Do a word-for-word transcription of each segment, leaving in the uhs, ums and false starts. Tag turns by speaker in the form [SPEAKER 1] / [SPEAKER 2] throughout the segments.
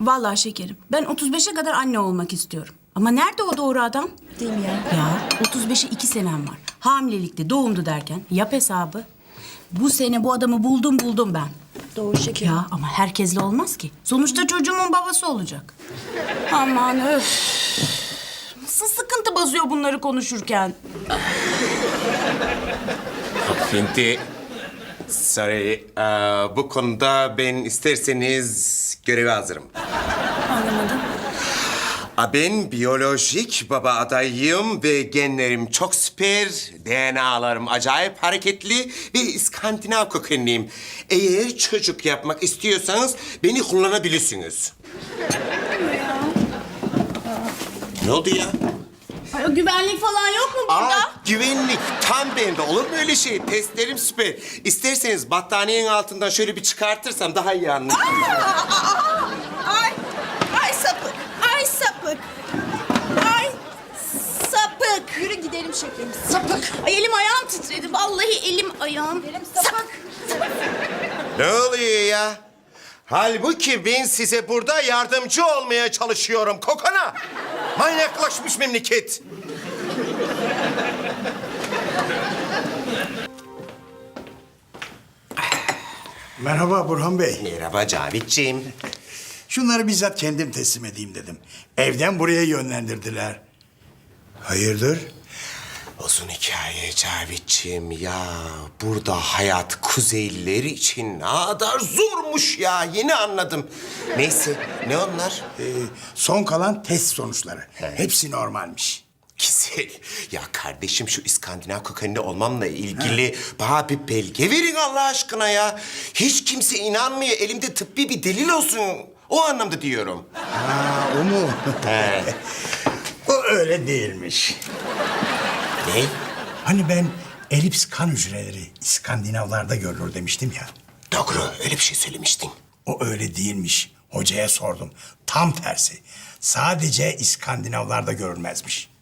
[SPEAKER 1] Vallahi şekerim, ben otuz beşe kadar anne olmak istiyorum. Ama nerede o doğru adam?
[SPEAKER 2] Değil mi ya?
[SPEAKER 1] Ya otuz beşe iki senem var. Hamilelikte doğumdu derken yap hesabı. Bu sene bu adamı buldum buldum ben.
[SPEAKER 2] Doğru şekerim.
[SPEAKER 1] Ya ama herkesle olmaz ki. Sonuçta çocuğumun babası olacak. Aman öf. Nasıl sıkıntı basıyor bunları konuşurken.
[SPEAKER 3] Şimdi, sorry, ee, bu konuda ben isterseniz göreve hazırım.
[SPEAKER 1] Anlamadım.
[SPEAKER 3] Aa, Ben biyolojik baba adayıyım ve genlerim çok süper, D N A'larım acayip hareketli ve İskandinav kökenliyim. Eğer çocuk yapmak istiyorsanız beni kullanabilirsiniz. Ne oldu ya?
[SPEAKER 1] Ay, o güvenlik falan yok mu burada?
[SPEAKER 3] Aa, güvenlik tam bende. Olur mu öyle şey? Testlerim süper. İsterseniz battaniyenin altından şöyle bir çıkartırsam daha iyi anlarsınız.
[SPEAKER 2] Ay, ay sapık, ay sapık. Ay sapık. Yürü gidelim şekerim, sapık.
[SPEAKER 1] Ay elim ayağım titredi. Vallahi elim ayağım.
[SPEAKER 2] Gidelim sapık.
[SPEAKER 3] Ne oluyor ya? Halbuki ben size burada yardımcı olmaya çalışıyorum kokana. Manyaklaşmış memleket.
[SPEAKER 4] Merhaba Burhan Bey.
[SPEAKER 3] Merhaba Cavitciğim.
[SPEAKER 4] Şunları bizzat kendim teslim edeyim dedim. Evden buraya yönlendirdiler. Hayırdır?
[SPEAKER 3] Uzun hikaye Cavitciğim ya. Burada hayat Kuzeyliler için ne kadar zormuş ya. Yeni anladım. Neyse ne onlar?
[SPEAKER 4] Ee, son kalan test sonuçları. Hepsi normalmiş.
[SPEAKER 3] Güzel. Ya kardeşim şu İskandinav kökenli olmamla ilgili bana bir belge verin Allah aşkına ya. Hiç kimse inanmıyor. Elimde tıbbi bir delil olsun. O anlamda diyorum.
[SPEAKER 4] Ha, o mu?
[SPEAKER 3] He.
[SPEAKER 4] O öyle değilmiş.
[SPEAKER 3] Ne?
[SPEAKER 4] Hani ben elips kan hücreleri İskandinavlarda görülür demiştim ya.
[SPEAKER 3] Doğru öyle bir şey söylemiştin.
[SPEAKER 4] O öyle değilmiş. Hocaya sordum. Tam tersi. Sadece İskandinavlarda görülmezmiş.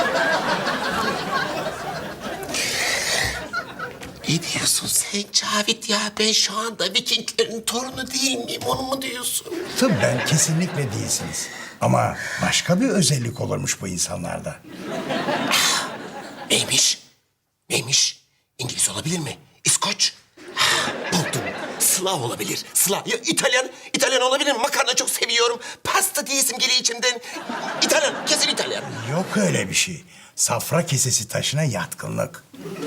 [SPEAKER 3] Ne diyorsun sen Cavit ya? Ben şu anda Vikinglerin torunu değil miyim? Onu mu diyorsun?
[SPEAKER 4] Tıbben kesinlikle değilsiniz. Ama başka bir özellik olurmuş bu insanlarda.
[SPEAKER 3] Neymiş? Neymiş? İngiliz olabilir mi? İskoç? Ha, buldum. Slav olabilir. Slav. Ya İtalyan. İtalyan olabilir mi? Makarna çok seviyorum. Pasta diyesim geliyor içimden. İtalyan. Kesin İtalyan.
[SPEAKER 4] Yok öyle bir şey. Safra kesesi taşına yatkınlık.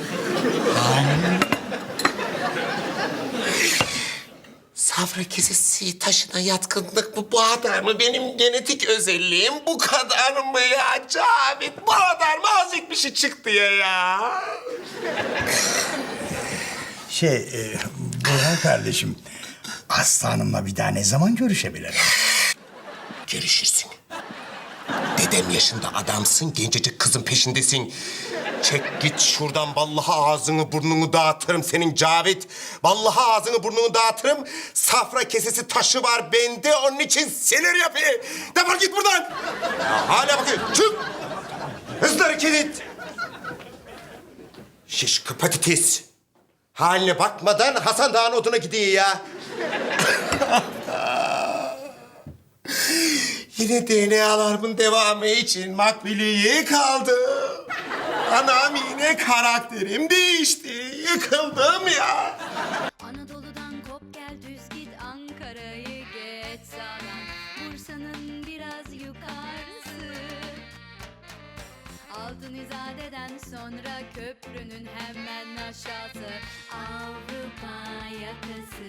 [SPEAKER 3] Safra kesesi taşına yatkınlık bu, bu kadar mı? Benim genetik özelliğim bu kadar mı ya Cavit? Bu kadar mı azıcık bir şey çıktı ya ya?
[SPEAKER 4] Şey, e, Burhan kardeşim, Aslı Hanım'la bir daha ne zaman görüşebilirim?
[SPEAKER 3] Görüşürsün. Dedem yaşında adamsın, gencecik kızın peşindesin. Çek git şuradan, vallahi ağzını burnunu dağıtırım senin Cavit. Vallahi ağzını burnunu dağıtırım. Safra kesesi taşı var bende, onun için sinir yapıyor. Defol git buradan. Ya hala bakıyor, çık. Hızlı hareket et. Şişko patates. Haline bakmadan Hasan Dağı'nın oduna gidiyor ya. Yine D N A'larımın devamı için makbuliyeye kaldı. Anam yine karakterim değişti. Yıkıldım ya.
[SPEAKER 5] Anadolu'dan kop gel düz git Ankara'yı geç sağdan Bursa'nın biraz yukarısı Altın İzade'den sonra köprünün hemen aşağısı Avrupa yakası